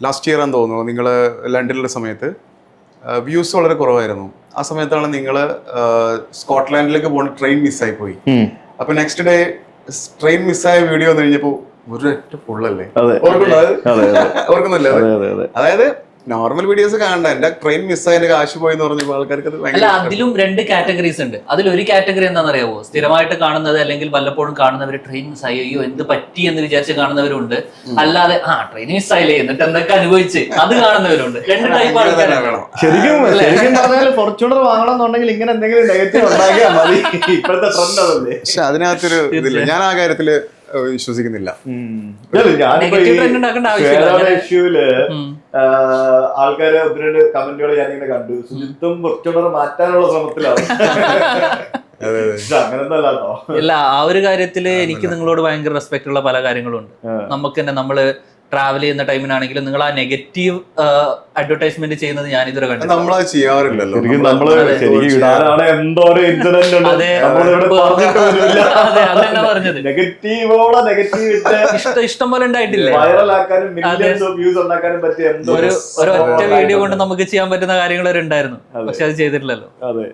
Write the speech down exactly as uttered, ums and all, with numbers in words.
Last year ആണെന്ന് തോന്നുന്നു നിങ്ങൾ ലണ്ടനിലുള്ള സമയത്ത് വ്യൂസ് വളരെ കുറവായിരുന്നു. ആ സമയത്താണ് നിങ്ങൾ സ്കോട്ട്ലാൻഡിലേക്ക് പോകുന്ന ട്രെയിൻ മിസ്സായി പോയി. അപ്പൊ നെക്സ്റ്റ് ഡേ ട്രെയിൻ മിസ്സായ വീഡിയോ വന്നു കഴിഞ്ഞപ്പോ ഒരൊറ്റ പുള്ളല്ലേ, ഓർക്കുന്നില്ലേ? അതായത് നോർമൽ വീഡിയോസ് കാണണ്ട, എന്റെ ട്രെയിൻ മിസ്സായ എന്റെ കാശ് പോയി എന്ന് പറഞ്ഞപ്പോൾ ആൾക്കാർക്ക് അല്ല, അതിലും രണ്ട് കാറ്റഗറീസ് ഉണ്ട്. അതിലൊരു കാറ്റഗറി എന്താണെന്നറിയാവോ, സ്ഥിരമായിട്ട് കാണുന്നത് അല്ലെങ്കിൽ വല്ലപ്പോഴും കാണുന്നവര് ട്രെയിൻ മിസ്സായി അയ്യോ എന്ത് പറ്റി എന്ന് വിചാരിച്ച് കാണുന്നവരുണ്ട്. അല്ലാതെ ആ ട്രെയിൻ മിസ്സായില്ലേ എന്നിട്ട് എന്തൊക്കെ അനുഭവിച്ച് അത് കാണുന്നവരുണ്ട്. രണ്ട് ടൈപ്പ് ആൾക്കാരാണ്. ശരിക്കും ശരിക്കും പറഞ്ഞാൽ ഫോർച്യൂണർ വാങ്ങണം എന്നുണ്ടെങ്കിൽ ഇങ്ങനെ എന്തെങ്കിലും നെഗറ്റീവ് ഉണ്ടാക്കിയാൽ മതി. ഇപ്പോഴത്തെ ട്രെൻഡ് അതല്ലേ. പക്ഷെ അതിനകത്തൊരു ഇതില്ല, ഞാൻ ആ കാര്യത്തില് വിശ്വസിക്കുന്നില്ല. ഇഷ്യൂല് ആൾക്കാര് ഒത്തിരി കമന്റുകൾ ഞാനിങ്ങനെ കണ്ടു, ശുചിത്വം ഫോർച്യൂണർ മാറ്റാനുള്ള ശ്രമത്തിലാണ്. അങ്ങനെയൊന്നല്ലോ. ഇല്ല, ആ ഒരു കാര്യത്തില് എനിക്ക് നിങ്ങളോട് ഭയങ്കര റെസ്പെക്ട് ഉള്ള പല കാര്യങ്ങളും ഉണ്ട്. നമുക്ക് തന്നെ നമ്മള് ട്രാവൽ ചെയ്യുന്ന ടൈമിനാണെങ്കിലും നിങ്ങൾ ആ നെഗറ്റീവ് അഡ്വർടൈസ്മെന്റ് ചെയ്യുന്നത് ഞാൻ ഇതുവരെ കണ്ടു. നമ്മളത് ചെയ്യാറില്ലല്ലോ. പറഞ്ഞത് ഇഷ്ടം പോലെ ഉണ്ടായിട്ടില്ലേ? ഒരു ഒറ്റ വീഡിയോ കൊണ്ട് നമുക്ക് ചെയ്യാൻ പറ്റുന്ന കാര്യങ്ങൾ ഉണ്ടായിരുന്നു, പക്ഷെ അത് ചെയ്തിട്ടില്ലല്ലോ.